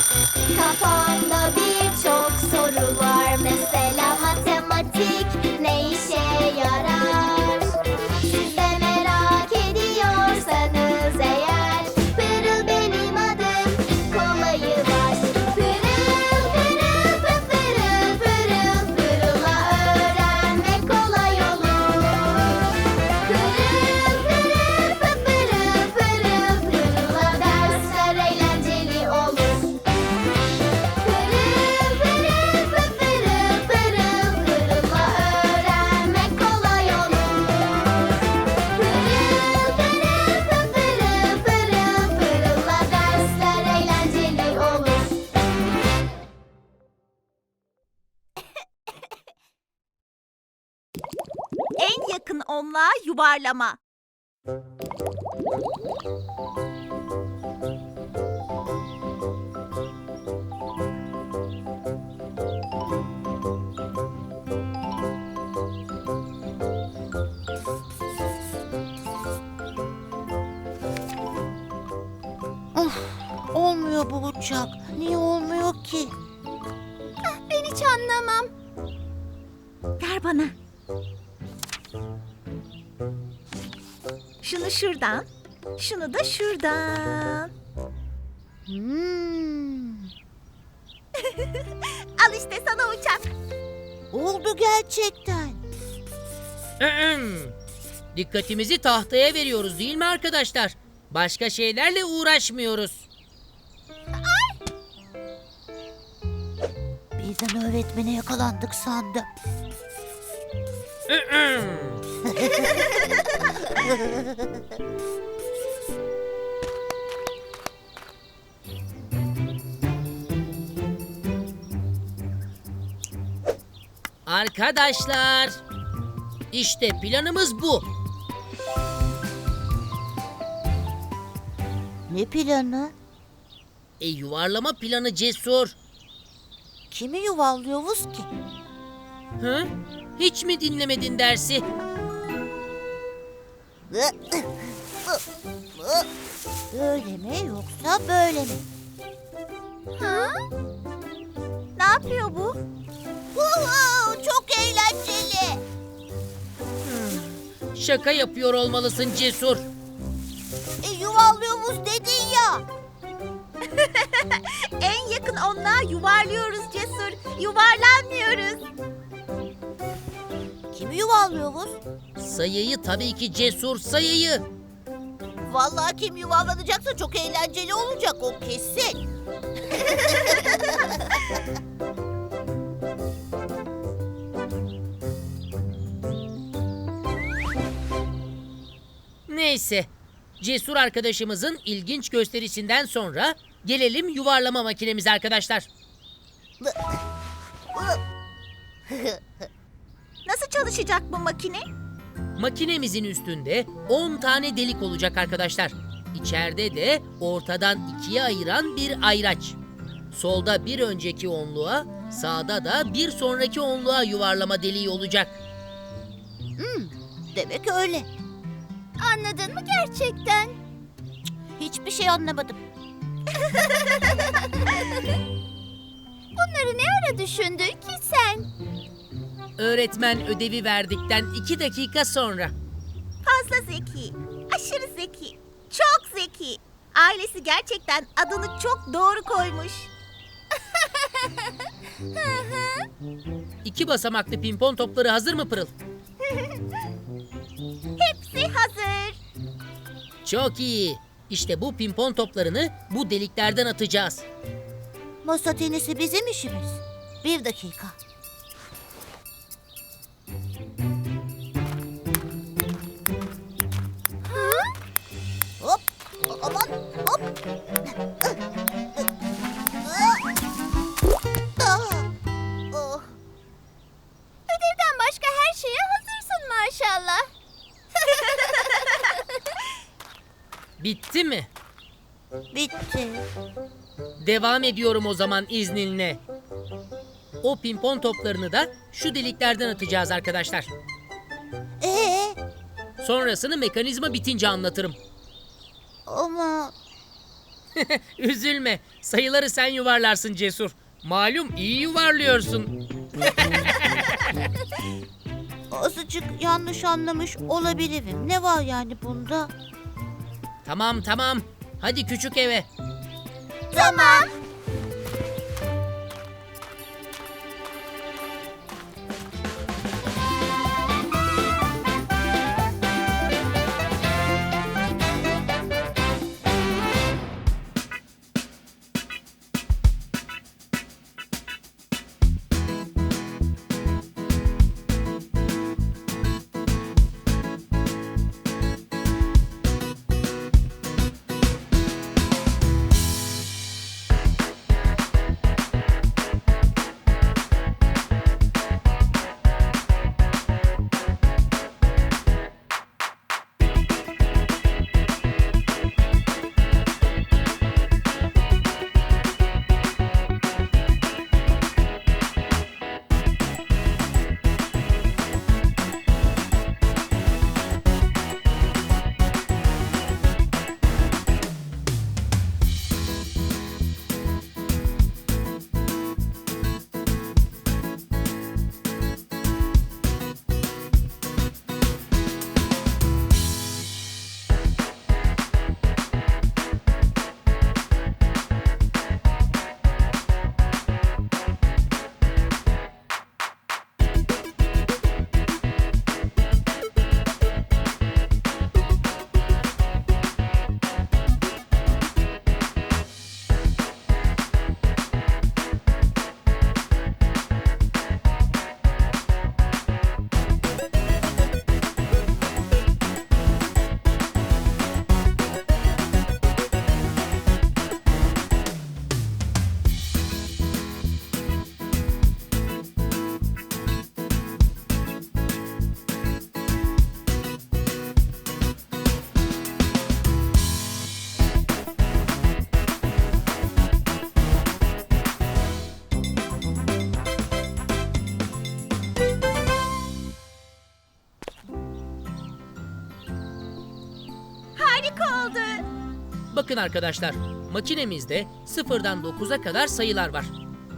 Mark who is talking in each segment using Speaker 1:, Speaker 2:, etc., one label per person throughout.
Speaker 1: Kafamda birçok soru var. Mesela matematik ne işe yarar? Siz de merak ediyorsanız eğer, Pırıl benim adım, kolayı var. Pırıl pırıl pırıl pırıl, pırıla öğrenmek kolay olur. Pırıl pırıl pırıl pırıl, pırıla dersler eğlenceli olur. Pırıl pırıl pırıl pırıl, pırıla öğrenmek kolay olur. Pırıl pırıl pırıl pırıl, pırıla dersler eğlenceli olur.
Speaker 2: En yakın onluğa yuvarlama.
Speaker 3: Olmuyor bu uçak. Niye olmuyor ki?
Speaker 2: Ben hiç anlamam. Ver bana. Şunu şuradan, şunu da şuradan. Al işte sana uçak.
Speaker 3: Oldu gerçekten.
Speaker 4: Dikkatimizi tahtaya veriyoruz değil mi arkadaşlar? Başka şeylerle uğraşmıyoruz.
Speaker 3: Birden öğretmene yakalandık sandım.
Speaker 4: Arkadaşlar, işte planımız bu.
Speaker 3: Ne planı?
Speaker 4: Yuvarlama planı Cesur.
Speaker 3: Kimi yuvallıyoruz ki?
Speaker 4: Hı? Hiç mi dinlemedin dersi?
Speaker 3: Böyle mi yoksa böyle mi?
Speaker 2: Ha? Ne yapıyor bu?
Speaker 3: Çok eğlenceli.
Speaker 4: Şaka yapıyor olmalısın Cesur.
Speaker 3: Yuvallıyoruz dedin ya.
Speaker 2: En yakın onluğa yuvarlıyoruz Cesur. Yuvarlanmıyoruz.
Speaker 3: Kimi yuvallıyoruz?
Speaker 4: Sayıyı tabii ki Cesur, sayıyı.
Speaker 3: Vallahi kim yuvarlanacaksa çok eğlenceli olacak o kesin.
Speaker 4: Neyse, Cesur arkadaşımızın ilginç gösterisinden sonra gelelim yuvarlama makinemize arkadaşlar.
Speaker 2: Nasıl çalışacak bu makine?
Speaker 4: Makinemizin üstünde 10 tane delik olacak arkadaşlar. İçeride de ortadan ikiye ayıran bir ayraç. Solda bir önceki onluğa, sağda da bir sonraki onluğa yuvarlama deliği olacak.
Speaker 3: Demek öyle.
Speaker 2: Anladın mı gerçekten?
Speaker 3: Hiçbir şey anlamadım.
Speaker 2: Bunları ne ara düşündün ki sen?
Speaker 4: Öğretmen ödevi verdikten 2 dakika sonra.
Speaker 2: Fazla zeki, aşırı zeki, çok zeki. Ailesi gerçekten adını çok doğru koymuş.
Speaker 4: 2 basamaklı pimpon topları hazır mı Pırıl?
Speaker 2: Hepsi hazır.
Speaker 4: Çok iyi. İşte bu pimpon toplarını bu deliklerden atacağız.
Speaker 3: Masa tenisi bizim işimiz. 1 dakika. Hop, aman, hop. Oh.
Speaker 2: Ödevden başka her şeye hazırsın maşallah.
Speaker 4: Bitti mi?
Speaker 3: Bitti.
Speaker 4: Devam ediyorum o zaman izninle. O pimpon toplarını da şu deliklerden atacağız arkadaşlar. Sonrasını mekanizma bitince anlatırım.
Speaker 3: Ama
Speaker 4: Üzülme. Sayıları sen yuvarlarsın Cesur. Malum iyi yuvarlıyorsun.
Speaker 3: Azıcık yanlış anlamış olabilirim. Ne var yani bunda?
Speaker 4: Tamam tamam. Hadi küçük eve.
Speaker 2: Tamam. Harika oldu.
Speaker 4: Bakın arkadaşlar. Makinemizde 0'dan 9'a kadar sayılar var.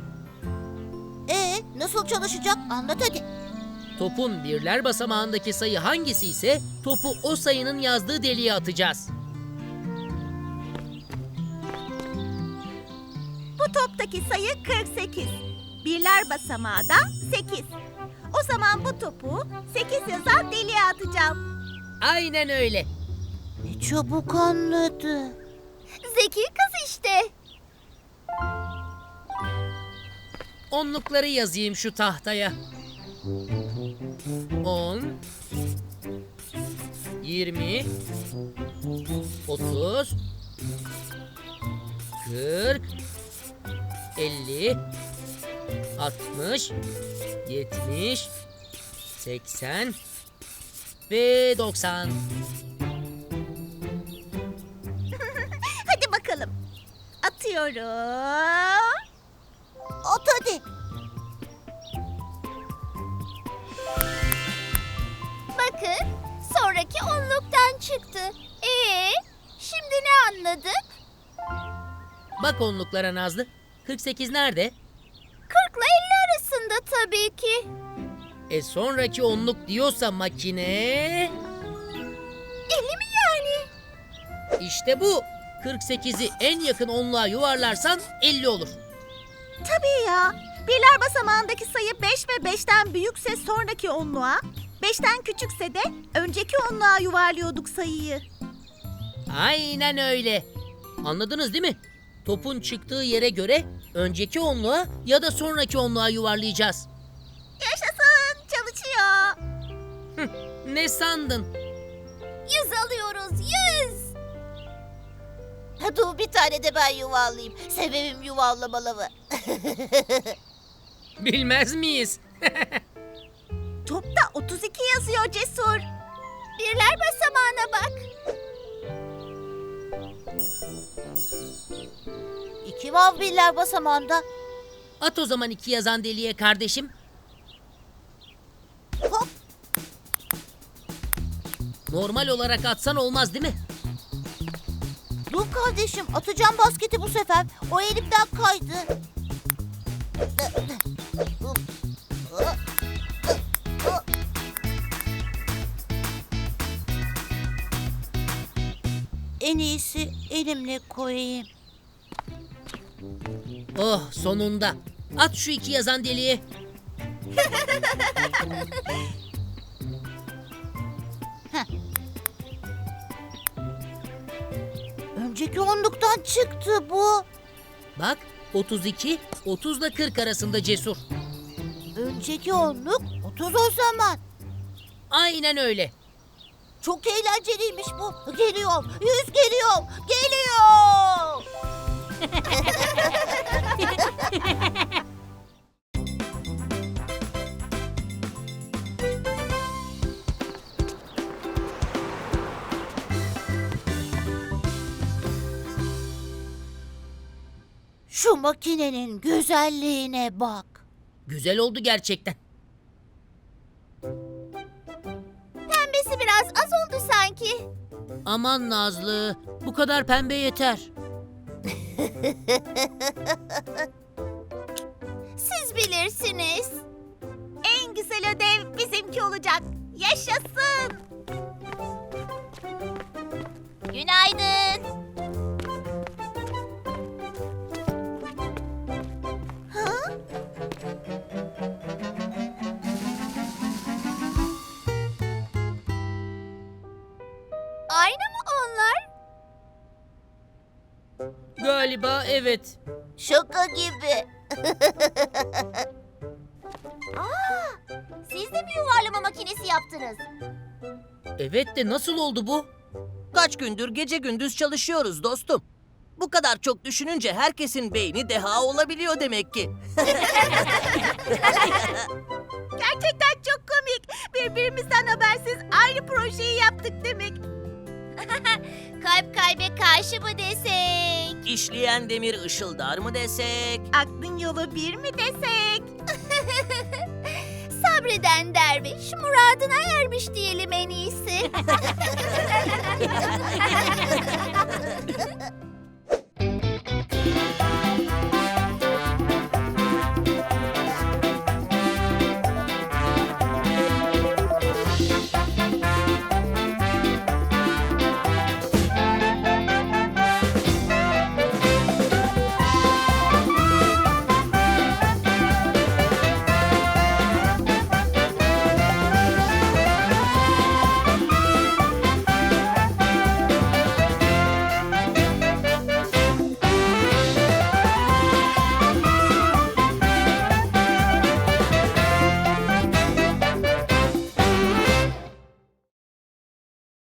Speaker 3: Nasıl çalışacak? Anlat hadi.
Speaker 4: Topun birler basamağındaki sayı hangisi ise topu o sayının yazdığı deliğe atacağız.
Speaker 2: Bu toptaki sayı 48. Birler basamağı da 8. O zaman bu topu 8 yazan deliğe atacağım.
Speaker 4: Aynen öyle.
Speaker 3: Ne çabuk anladı.
Speaker 1: Zeki kız işte.
Speaker 4: Onlukları yazayım şu tahtaya. 10 20 30 40 50 60 70 80 ve 90.
Speaker 2: Hadi bakalım. Atıyorum.
Speaker 3: At hadi.
Speaker 1: Bakın sonraki onluktan çıktı. Şimdi ne anladık?
Speaker 4: Bak onluklara Nazlı. 48 nerede?
Speaker 1: 40 ile 50 arasında tabii ki.
Speaker 4: Sonraki onluk diyorsa makine...
Speaker 1: 50 mi yani?
Speaker 4: İşte bu. 48'i en yakın onluğa yuvarlarsan 50 olur.
Speaker 2: Tabii ya. Birler basamağındaki sayı 5 ve 5'ten büyükse sonraki onluğa, 5'ten küçükse de önceki onluğa yuvarlıyorduk sayıyı.
Speaker 4: Aynen öyle. Anladınız değil mi? Topun çıktığı yere göre önceki onluğa ya da sonraki onluğa yuvarlayacağız.
Speaker 2: Yaşasın, çalışıyor.
Speaker 4: Ne sandın?
Speaker 1: 100 alıyoruz 100.
Speaker 3: Dur bir tane de ben yuvarlayayım. Sebebim yuvarlamalı.
Speaker 4: Bilmez miyiz?
Speaker 2: Topta 32 yazıyor Cesur.
Speaker 1: Birler basamağına bak.
Speaker 3: 2 var birler basamağında.
Speaker 4: At o zaman 2 yazan deliğe kardeşim.
Speaker 3: Hop.
Speaker 4: Normal olarak atsan olmaz değil mi?
Speaker 3: Dur kardeşim, atacağım basketi bu sefer. O elimden kaydı. En iyisi elimle koyayım.
Speaker 4: Oh, sonunda. At şu 2 yazan deliğe.
Speaker 3: Önceki onluktan çıktı bu.
Speaker 4: Bak, 32, 30 ile 40 arasında Cesur.
Speaker 3: Önceki onluk 30 o zaman.
Speaker 4: Aynen öyle.
Speaker 3: Çok eğlenceliymiş bu. Geliyor, 100 geliyor, geliyor. Şu makinenin güzelliğine bak.
Speaker 4: Güzel oldu gerçekten.
Speaker 1: Pembesi biraz az oldu sanki.
Speaker 4: Aman Nazlı, bu kadar pembe yeter.
Speaker 1: Siz bilirsiniz.
Speaker 2: En güzel ödev bizimki olacak. Yaşasın.
Speaker 1: Günaydın. Aynı mı onlar?
Speaker 4: Galiba evet.
Speaker 3: Şaka gibi.
Speaker 1: Siz de bir yuvarlama makinesi yaptınız.
Speaker 4: Evet de nasıl oldu bu?
Speaker 5: Kaç gündür gece gündüz çalışıyoruz dostum. Bu kadar çok düşününce herkesin beyni deha olabiliyor demek ki.
Speaker 2: Gerçekten çok komik. Birbirimizden habersiz aynı projeyi yaptık demek.
Speaker 1: Kalp kalbe karşı mı desek?
Speaker 5: İşleyen demir ışıldar mı desek?
Speaker 2: Aklın yolu bir mi desek?
Speaker 1: Sabreden derviş muradına ermiş diyelim en iyisi.